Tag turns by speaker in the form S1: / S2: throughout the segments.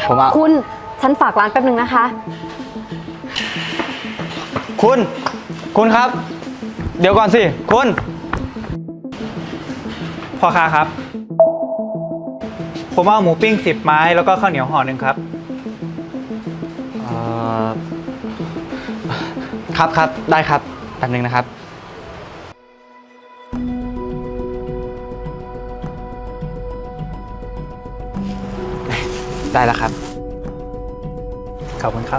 S1: ผมเอา
S2: คุณฉันฝากร้านแป๊บนึงนะคะ
S1: คุณครับ เดี๋ยวก่อนสิคุณ
S3: พ่อค้าครับผมเอาหมูปิ้ง10 ไม้แล้วก็ข้าวเหนียวห่อหนึ่งครับ
S1: ครับได้ครับแป๊บนึงนะครับ ได้แล้วครับ
S3: ขอบคุณครับ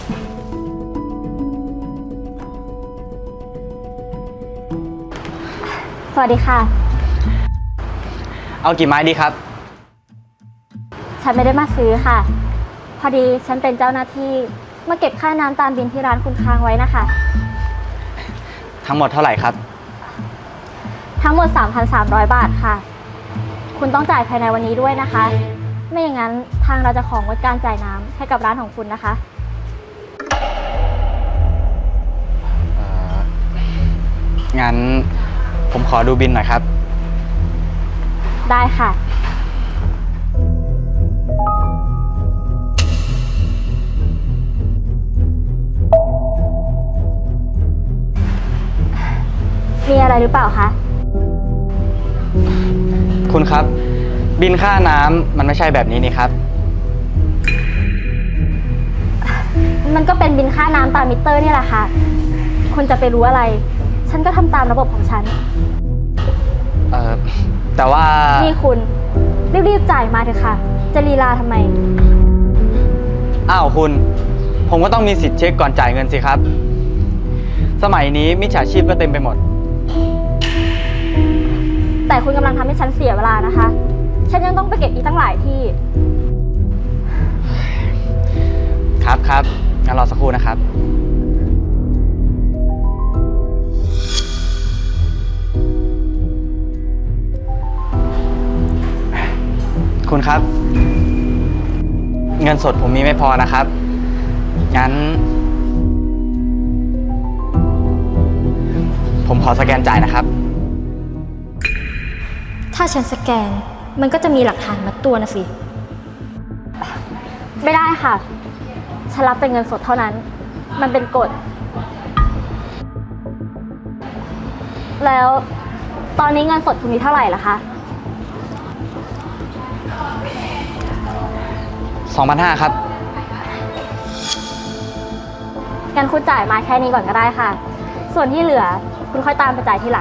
S2: สวัสดีค่ะ
S1: เอากี่ไม้ดีครับ
S2: ฉันไม่ได้มาซื้อค่ะ พอดีฉันเป็นเจ้าหน้าที่มาเก็บค่าน้ำตามบินที่ร้านคุณค้างไว้นะคะ
S1: ทั้งหมดเท่าไหร่ครับ
S2: ทั้งหมด 3,300 บาทค่ะ คุณต้องจ่ายภายในวันนี้ด้วยนะคะ ไม่อย่างนั้นทางเราจะของงดการจ่ายน้ำให้กับร้านของคุณนะคะ
S1: งั้นผมขอดูบินหน่อยครับ
S2: ได้ค่ะ มีอะไรหรือเปล่าคะ
S1: คุณครับ บินค่าน้ำมันไม่ใช่แบบนี้นี่ครับ
S2: มันก็เป็นบินค่าน้ำตามมิเตอร์นี่แหละค่ะ คุณจะไปรู้อะไร ฉันก็ทำตามระบบของฉัน
S1: แต่ว่า
S2: นี่คุณรีบๆจ่ายมาเถอะค่ะ จะลีลาทำไม
S1: อ้าวคุณ ผมก็ต้องมีสิทธิ์เช็คก่อนจ่ายเงินสิครับ สมัยนี้มิจฉาชีพก็เต็มไปหมด
S2: แต่คุณกำลังทำให้ฉันเสียเวลานะคะ ฉันยังต้องไปเก็บอีกตั้งหลายที่
S1: ครับงั้นรอสักครู่นะครับ คุณครับ เงินสดผมมีไม่พอนะครับ งั้น ผมขอสแกนจ่ายนะครับ
S2: ถ้าฉันสแกน มันก็จะมีหลักฐานมัดตัวนะสิ ไม่ได้ค่ะ ฉันรับเป็นเงินสดเท่านั้น มันเป็นกฎ แล้วตอนนี้เงินสดคุณมีเท่าไหร่ล่ะคะ
S1: 2,500 ครับ
S2: งั้นคุณจ่ายมาแค่นี้ก่อนก็ได้ค่ะ ส่วนที่เหลือคุณค่อยตามไปจ่ายทีหลัง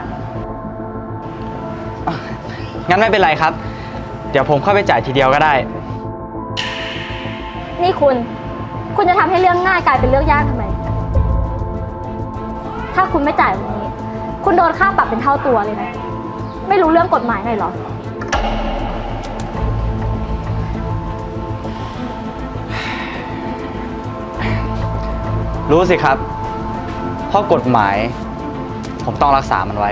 S1: งั้นไม่เป็นไรครับ เดี๋ยวผมเข้าไปจ่ายทีเดียวก็ได้
S2: นี่คุณจะทำให้เรื่องง่ายกลายเป็นเรื่องยากทำไม ถ้าคุณไม่จ่ายวันนี้ คุณโดนค่าปรับเป็นเท่าตัวเลยนะ ไม่รู้เรื่องกฎหมายหน่อยเหรอ
S1: รู้สิครับ เพราะกฎหมาย ผมต้องรักษามันไว้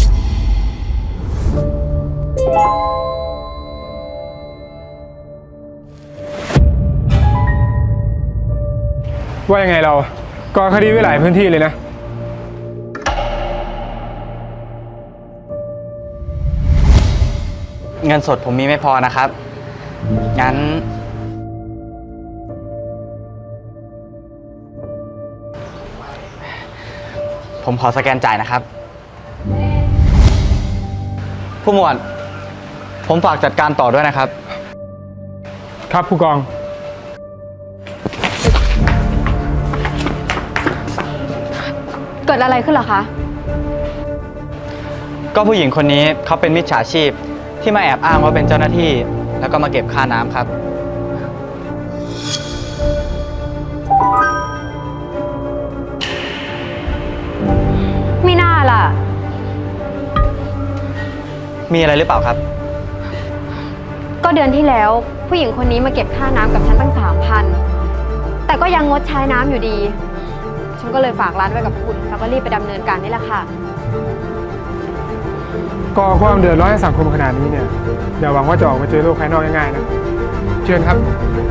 S4: ว่ายังไงเราก่อคดีไว้หลายพื้นที่เลยนะ
S1: เงินสดผมมีไม่พอนะครับ งั้น ผมขอสแกนจ่ายนะครับ ผู้หมวด ผมฝากจัดการต่อด้วยนะครับ
S4: ครับผู้กอง
S2: เกิดอะไรขึ้นเหรอคะ
S1: ก็ผู้หญิงคนนี้เขาเป็นมิจฉาชีพที่มาแอบอ้างว่าเป็นเจ้าหน้าที่ แล้วก็มาเก็บค่าน้ำครับ
S2: ไม่น่าล่ะ
S1: มีอะไรหรือเปล่าครับ
S5: ก็เดือนที่แล้วผู้หญิงคนนี้มาเก็บค่าน้ำกับฉันตั้ง3,000แต่ก็ยังงดใช้น้ำอยู่ดี ฉันก็เลยฝากร้านไว้กับคุณแล้วก็รีบไปดำเนินการนี่แหละค่ะ
S4: ก่อความเดือดร้อนให้สังคมขนาดนี้เนี่ยอย่าหวังว่าจะออกมาเจอโลกภายนอกง่ายๆนะ เชิญครับ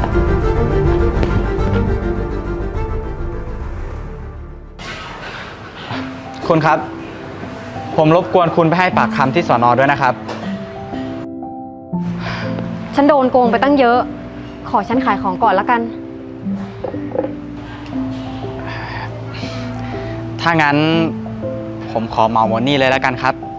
S1: คุณครับ ผมรบกวนคุณไปให้ปากคำที่สน.ด้วยนะครับ
S5: ฉันโดนโกงไปตั้งเยอะ ขขอฉันขายของก่อนแล้วกัน
S1: ถ้างั้นผมขอเหมาหมดนี่เลยแล้วกันครับ